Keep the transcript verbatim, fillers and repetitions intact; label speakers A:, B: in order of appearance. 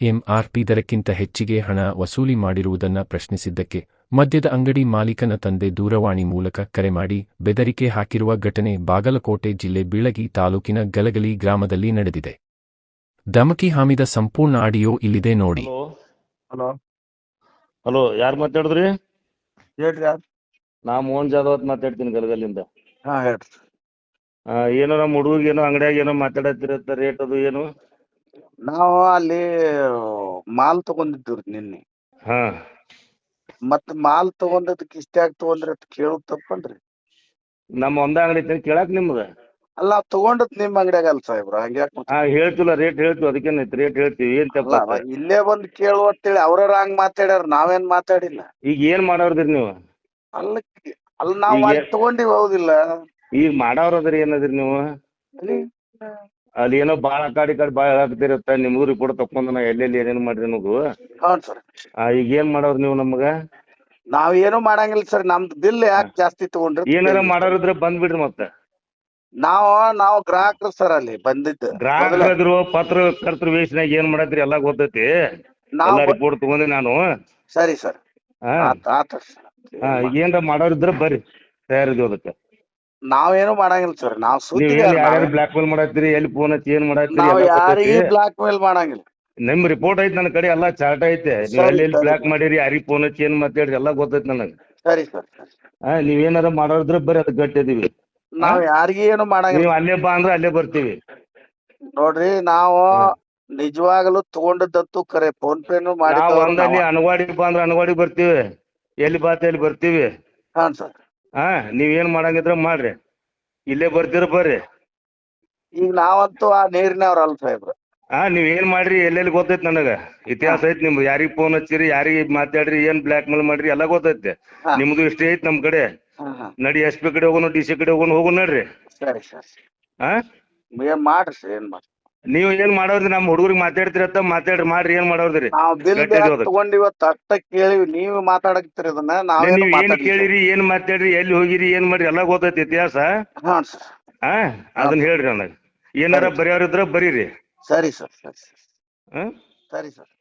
A: MRP ದರಕ್ಕಿಂತ ಹೆಚ್ಚಿಗೆ ಹಣ ವಸೂಲಿ ಮಾಡಿರುವುದನ್ನು ಪ್ರಶ್ನಿಸಿದ್ದಕ್ಕೆ ಮದ್ಯದ ಅಂಗಡಿ ಮಾಲೀಕನ ತಂದೆ ದೂರವಾಣಿ ಮೂಲಕ ಕರೆ ಮಾಡಿ ಬೆದರಿಕೆ ಹಾಕಿರುವ ಘಟನೆ ಬಾಗಲಕೋಟೆ ಜಿಲ್ಲೆ ಬೀಳಗಿ ತಾಲೂಕಿನ ಗಲಗಲಿ ಗ್ರಾಮದಲ್ಲಿ ನಡೆದಿದೆ. ಧಮಕಿ ಹಾಮಿದ ಸಂಪೂರ್ಣ ಆಡಿಯೋ ಇಲ್ಲಿದೆ ನೋಡಿ.
B: ಹಲೋ
C: ಹಲೋ, ಯಾರು ಮಾತಾಡಿದ್ರಿ?
B: ಹೇಳ್ರಿ ಯಾರು?
C: ನಾ ಮೋಹನ್ ಜಾಧವ್ ಅಂತ ಮಾತಾಡ್ತೀನಿ ಗಲಗಲಿಂದ.
B: ಹಾ ಹೇಳ್ರಿ.
C: ಆ, ಏನೋ ನಮ್ಮ ಹುಡುಗ ಏನೋ ಅಂಗಡಿಯಾಗ ಏನೋ ಮಾತಾಡತ್ತಿರತ್ತ, ರೇಟ್ ಅದು ಏನು?
B: ನಾವು ಅಲ್ಲಿ ಮಾಲ್ ತಗೊಂಡಿದ್ದೀವ್ರಿ ನಿನ್ನೆ.
C: ಹಾ
B: ಮತ್ ಮಾಲ್ ತಗೊಂಡದಕ್ಕೆ ಇಷ್ಟ್ಯಾಕ್ ತಗೊಂಡ್ರಿ ಅಂತ ಕೇಳೋದ್ ತಪ್ಪಲ್ರಿ?
C: ನಮ್ಮ ಒಂದ ಅಂಗಡಿ ಐತಿ ಕೇಳಾಕ್ ನಿಮ್ದ?
B: ಅಲ್ಲ ನಾವ್ ತಗೊಂಡದ್ ನಿಮ್ ಅಂಗಡಿಯಾಗ ಅಲ್ಲ ಸಾಹೇಬ್ರ, ಹಂಗ್ಯಾಕ್
C: ಹಾ ಹೇಳ್ತಿಲ್ಲ, ರೇಟ್ ಹೇಳ್ತೀವಿ, ಅದಕ್ಕೇನೈತಿ ರೇಟ್ ಹೇಳ್ತೀವಿ. ಏನ್
B: ಅಲ್ಲ
C: ತಪ್ಪ?
B: ಇಲ್ಲೇ ಬಂದ್ ಕೇಳುವ ಅಂತೇಳಿ ಅವ್ರ ಹಂಗ್ ಮಾತಾಡ್ಯಾರ, ನಾವೇನ್ ಮಾತಾಡಿಲ್ಲ.
C: ಈಗ ಏನ್ ಮಾಡೋರ್ದಿರಿ ನೀವು?
B: ಅಲ್ಲ ಅಲ್ಲ ನಾವ್
C: ಈಗ
B: ಅಲ್ಲಿ ತಗೊಂಡಿವಿ, ಹೌದಿಲ್ಲ?
C: ಈಗ ಮಾಡೋರದ್ರಿ ಏನದ್ರಿ ನೀವು?
B: ಅಲ್ಲಿ
C: ಅಲ್ಲಿ ಏನೋ ಬಾಳ ಆ ಕಡೆ ಈ ಕಡೆ ಬಾಳ ಹೇಳಾಕತ್ತಿರತ್ತ, ನಿಮ್ಗೂ ರಿಪೋರ್ಟ್ ತಕೊಂಡ್ ನಾ ಎಲ್ಲೆಲ್ಲಿ ಏನೇನ್ ಮಾಡ್ರಿ ಅನ್ನೋದು.
B: ಹೌನ್ ಸರ್.
C: ಈಗ ಏನ್ ಮಾಡೋರ್ ನೀವು ನಮ್ಗ?
B: ನಾವ್ ಏನು ಮಾಡಂಗಿಲ್ಲ ಸರ್, ನಮ್ದು ಬಿಲ್ ಯಾಕೆ ಜಾಸ್ತಿ ತಗೊಂಡ್ರಿ?
C: ಏನಾರ ಮಾಡೋರಿದ್ರೆ ಬಂದ್ಬಿಡ್ರಿ. ಮತ್ತೆ
B: ನಾವ್ ನಾವು ಗ್ರಾಹಕರು ಸರ್, ಅಲ್ಲಿ ಬಂದಿದ್ದು
C: ಗ್ರಾಹಕರು ಪತ್ರ ಕರ್ತೃ ವೇಷನಾಗ ಏನ್ ಮಾಡತ್ರಿ ಎಲ್ಲಾ ಗೊತ್ತೈತಿ.
B: ನಾವ್
C: ಎಲ್ಲಾ ರಿಪೋರ್ಟ್ ತಗೊಂಡಿ ನಾನು.
B: ಸರಿ ಸರ್.
C: ಹಾ
B: ಆತ ಆತ
C: ಹಾ ಈಗ ಏನ್ರ ಮಾಡೋರಿದ್ರ ಬರ್ರಿ, ತಯಾರಿದ್ವಿ ಅದಕ್ಕೆ.
B: ನಾವೇನು ಮಾಡಂಗಿಲ್ಲ ಸರ್, ನಾವ್
C: ನೀವ್
B: ಸುದ್ದಿಗಾರ.
C: ಏನ್ ಯಾರ್ಯಾರು ಬ್ಲಾಕ್ ಮೇಲ್ ಮಾಡತ್ತೀರಿ, ಎಲ್ಲಿ ಫೋನ್ ಹಚ್ಚಿ ಏನ್ ಮಾಡತ್ತೀರಿ
B: ನಾವ್
C: ಎಲ್ಲ ಗೊತ್ತೈತಿ.
B: ಯಾರಿಗೂ ಬ್ಲಾಕ್ ಮೇಲ್ ಮಾಡಂಗಿಲ್ಲ.
C: ನಿಮ್ ರಿಪೋರ್ಟ್ ಐತಿ ನನ್ನ ಕಡೆ, ಎಲ್ಲಾ ಚಾರ್ಟ್ ಐತೆ. ನೀವ್
B: ಸರಿ,
C: ಎಲ್ಲಿ ಎಲ್ಲಿ
B: ಸರಿ,
C: ಬ್ಲಾಕ್
B: ಸರಿ.
C: ಮಾಡಿರಿ, ಯಾರಿಗ್ ಫೋನ್ ಹಚ್ಚಿ ಏನ್ ಮಾತಾಡ್ರಿ ಎಲ್ಲಾ ಗೊತ್ತೈತಿ ನನಗ.
B: ಸರಿ ಸರ್.
C: ಹಾ ನೀವ್ ಏನಾರ ಮಾಡೋರಿದ್ರ ಬರ್ರಿ, ಅದಕ್ಕೆ ಗಟ್ಟಿದೀವಿ.
B: ನಾವ್ ಯಾರಿಗೂ ಏನು ಮಾಡಂಗಿಲ್ಲ.
C: ನೀವ್ ಅಲ್ಲೇ ಬಾ ಅಂದ್ರೆ ಅಲ್ಲೇ ಬರ್ತೀವಿ.
B: ನೋಡ್ರಿ, ನಾವು ನಿಜವಾಗಲೂ ತಗೊಂಡದಂತೂ ಕರೆ, ಫೋನ್ ಪೇನು
C: ನಾವ್
B: ಮಾಡಿದ್ದವ್ರು
C: ಒಂದಲ್ಲಿ
B: ನಾವ.
C: ಅನವಾಡಿ ಬಾ ಅಂದ್ರೆ ಅನವಾಡಿ ಬರ್ತೀವಿ, ಎಲ್ಲಿ ಬಾತ ಎಲ್ಲಿ ಬರ್ತೀವಿ.
B: ಹಾನ್ ಸರ್.
C: ಹಾ ನೀವ್ ಏನ್ ಮಾಡಂಗಿದ್ರ ಮಾಡ್ರಿ, ಇಲ್ಲೇ ಬರ್ತೀರ ಬರ್ರಿ.
B: ಈಗ ನಾವಂತೂ ಆ ನೀರಿನವ್ರ ಅಲ್ಲ ಸಾಹೇಬ್ರ.
C: ಹಾ ನೀವ್ ಏನ್ ಮಾಡ್ರಿ ಎಲ್ಲೆಲ್ಲಿ ಗೊತ್ತೈತಿ ನನಗ, ಇತಿಹಾಸ ಐತಿ ನಿಮ್ದು. ಯಾರಿಗ್ ಫೋನ್ ಹಚ್ಚಿರಿ, ಯಾರಿಗ್ ಮಾತಾಡ್ರಿ, ಏನ್ ಬ್ಲಾಕ್ ಮೇಲ್ ಮಾಡ್ರಿ ಎಲ್ಲಾ ಗೊತ್ತೈತಿ.
B: ಹಾ.
C: ನಿಮ್ದು ಇಷ್ಟೇ ಐತಿ ನಮ್ ಕಡೆ.
B: ಹಾ ಹಾ
C: ನಡಿ ಎಸ್ ಪಿ ಕಡೆ ಹೋಗೋಣ, ಡಿ ಸಿ ಕಡೆ ಹೋಗೋಣ, ಹೋಗೋಣ ನಡ್ರಿ.
B: ಸರಿ ಸರ್.
C: ಹಾ
B: ಏನ್ ಮಾಡ್ರಿ ಸರ್, ಏನ್ ಮಾಡ್ರಿ.
C: ನೀವ್ ಏನ್ ಮಾಡೋದ್ರಿ? ನಮ್ ಹುಡುಗರಿಗೆ ಮಾತಾಡ್ತಿರತ್ತ, ಮಾತಾಡ್ರಿ, ಮಾಡ್ರಿ. ಏನ್ ಮಾಡೋದ್ರಿ?
B: ನಾವ್ ಬಿಲ್
C: ಗಟ್ಟಿ
B: ಯಾಕೆ ತಗೊಂಡಿವತ್ತ ಅಷ್ಟ ಕೇಳಿವಿ, ನೀವ್ ಮಾತಾಡಕ್ತಿರಿ ಅದನ್ನ, ನಾವೇನು
C: ನೀವ್ ಏನ್
B: ಮಾತಾಡ್ಲಿ ಸರ್.
C: ಕೇಳಿರಿ, ಏನ್ ಮಾತಾಡ್ರಿ, ಎಲ್ಲಿ ಹೋಗಿರಿ, ಏನ್ ಮಾಡ್ರಿ ಎಲ್ಲಾ ಗೊತ್ತೈತಿ ಇತಿಹಾಸ.
B: ಹಾನ್ ಸರ್.
C: ಹಾ ಅದನ್ನ ಹೇಳ್ರಿ ನನಗ. ಏನಾರ ಬರೆಯೋರಿದ್ರ ಬರೀರಿ.
B: ಸರಿ ಸರ್. ಸರಿ ಸರ್.
C: ಹಾ
B: ಸರಿ ಸರ್.